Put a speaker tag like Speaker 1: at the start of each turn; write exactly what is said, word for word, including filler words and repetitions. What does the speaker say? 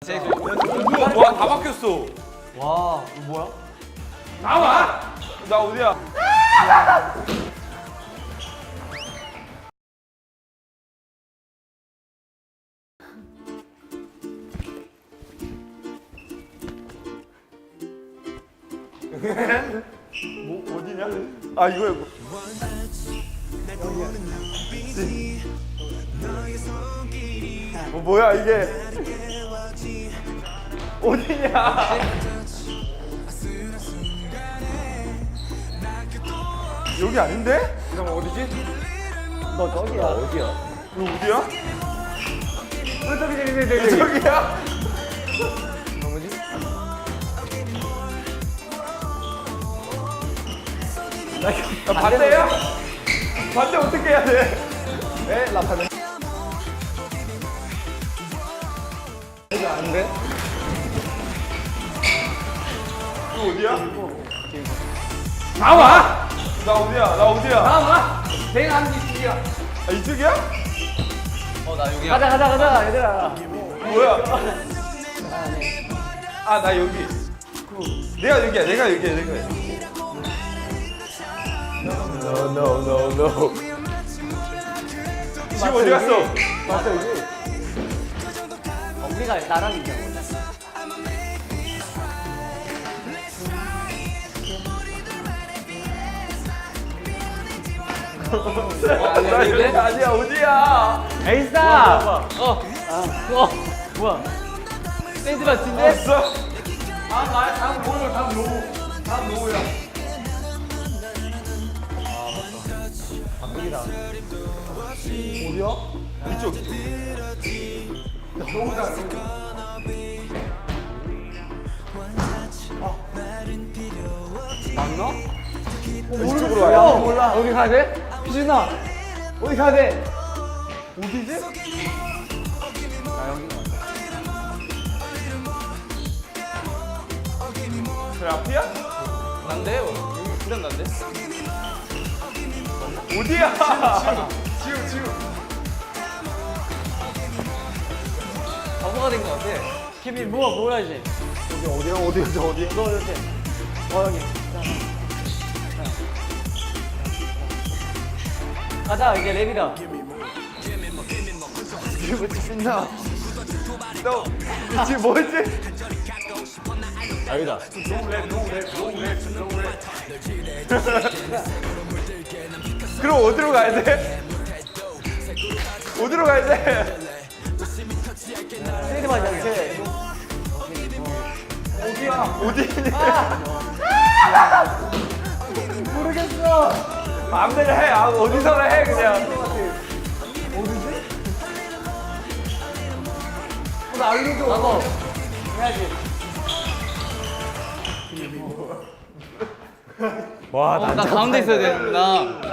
Speaker 1: 뭐야, 뭐야, 다 바뀌었어.
Speaker 2: 와, 이거 뭐야?
Speaker 1: 나와! 나 어디야? 뭐 어디냐? 아 이거야. 뭐. 뭐 뭐야 이게? 어디냐? 여기 아닌데? 그럼 어디지?
Speaker 2: 너 저기야. 어디야?
Speaker 1: 이거 어디야?
Speaker 2: 너 저기, 저기, 저기, 저기.
Speaker 1: 저기야?
Speaker 2: 뭐지?
Speaker 1: 나 반대야? 반대 어떻게 해야 돼?
Speaker 2: 에? 라파는? 이거 안 돼?
Speaker 1: 이거 어디야? 나와! 나 어디야? 나 어디야?
Speaker 2: 나와! 내가 하는 게 이쪽이야.
Speaker 1: 아 이쪽이야?
Speaker 2: 어, 나 여기야. 가자, 가자, 가자, 얘들아.
Speaker 1: 뭐야? 아 나 여기. 내가 여기야. 내가 여기야. 내가 여기. No no no no. 지금 어디 갔어?
Speaker 2: 맞아, 여기. 어, 우리가 나랑 있잖아.
Speaker 1: 나 여기 아니야. 어디야?
Speaker 2: 에이스다! 어, 어, 뭐야? 샌드 같은데?
Speaker 1: 왔어? 아 나야. 다음 노우. 다음 노우. 다음 노우야.
Speaker 2: 여기다.
Speaker 1: 어디야? 이쪽. 노우다.
Speaker 2: 맞나?
Speaker 1: 이쪽으로 와요.
Speaker 2: 어, 몰라. 어디 가야 돼? 희준아, 어디 가야 돼? 어디지? 나 여기 가.
Speaker 1: 저 앞이야?
Speaker 2: 난데요. 여기 그냥 난데?
Speaker 1: 어디야? 지금 지금.
Speaker 2: 바보가 된 것 같아. 케빈, 뭐야, 뭐야 이제?
Speaker 1: 여기 어디야? 어디야? 어디?
Speaker 2: 너 이렇게. 어, 여기. 가자, 이제 랩이다.
Speaker 1: 이게 뭐지? 신나. 너 지금 뭐였지?
Speaker 2: 여기다.
Speaker 1: 그럼 어디로 가야 돼? 어디로 가야 돼?
Speaker 2: 세이드 맞아, 이렇게.
Speaker 1: 어디야? 어디?
Speaker 2: 모르겠어.
Speaker 1: 마음대로 해. 아, 어디서나 해 그냥.
Speaker 2: 어디지? 어, 나 알려줘. 나도. 해야지.
Speaker 1: 와,
Speaker 2: 어, 나 가운데 있어야 되는구나.